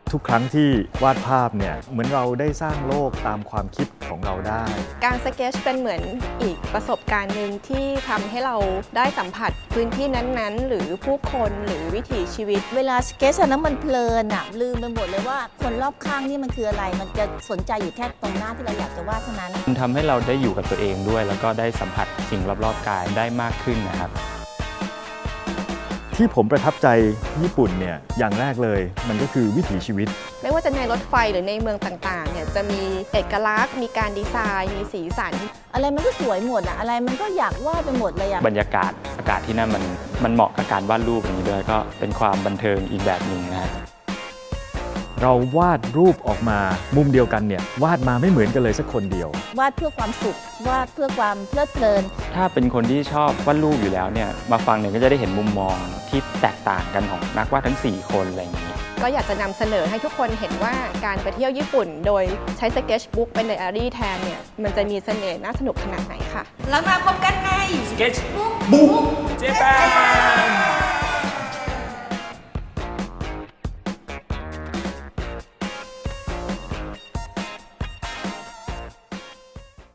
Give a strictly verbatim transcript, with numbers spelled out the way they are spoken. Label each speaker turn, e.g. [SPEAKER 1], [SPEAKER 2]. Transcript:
[SPEAKER 1] ทุกครั้งที่วาดภาพเนี่ยเหมือนเราได้สร้างโลกตามความคิดของเราได้
[SPEAKER 2] การสเก็ตช์เป็นเหมือนอีกประสบการณ์หนึ่งที่ทำให้เราได้สัมผัสพื้นที่นั้นๆหรือผู้คนหรือวิถีชีวิต
[SPEAKER 3] เวลาสเก็ตช์นั้นมันเพลินอะลืมไปหมดเลยว่าคนรอบข้างนี่มันคืออะไรมันจะสนใจอยู่แค่ตรงหน้าที่เราอยากจะวาดเท่านั้น
[SPEAKER 4] มันทำให้เราได้อยู่กับตัวเองด้วยแล้วก็ได้สัมผัสสิ่งรอบๆกายได้มากขึ้นนะครับ
[SPEAKER 1] ที่ผมประทับใจญี่ปุ่นเนี่ยอย่างแรกเลยมันก็คือวิถีชีวิต
[SPEAKER 2] ไม่ว่าจะในรถไฟหรือในเมืองต่างๆเนี่ยจะมีเอกลักษณ์มีการดีไซน์มีสีสัน
[SPEAKER 3] อะไรมันก็สวยหมดอะอะไรมันก็อยากวาดไปหมดเลยอะ
[SPEAKER 4] บรรยากาศอากาศที่นั่นมันมันเหมาะกับการวาดรูปอย่างนี้ด้วยก็เป็นความบันเทิงอีกแบบหนึ่งนะฮะ
[SPEAKER 1] เราวาดรูปออกมามุมเดียวกันเนี่ยวาดมาไม่เหมือนกันเลยสักคนเดียว
[SPEAKER 3] วาดเพื่อความสุขวาดเพื่อความเพลิดเพลิน
[SPEAKER 4] ถ้าเป็นคนที่ชอบวาดรูปอยู่แล้วเนี่ยมาฟังเนี่ยก็จะได้เห็นมุมมองที่แตกต่างกันของนักวาดทั้งสี่คนอะไรอย่างนี้
[SPEAKER 2] ก็อยากจะนำเสนอให้ทุกคนเห็นว่าการไปเที่ยวญี่ปุ่นโดยใช้สเก็ตช์บุ๊กเป็นไดอารี่แทนเนี่ยมันจะมีเสน่ห์น่าสนุกขนาดไหนค่ะ
[SPEAKER 3] แล้วมาพบกันใน
[SPEAKER 4] สเก็ตช์บุ๊กเจแปน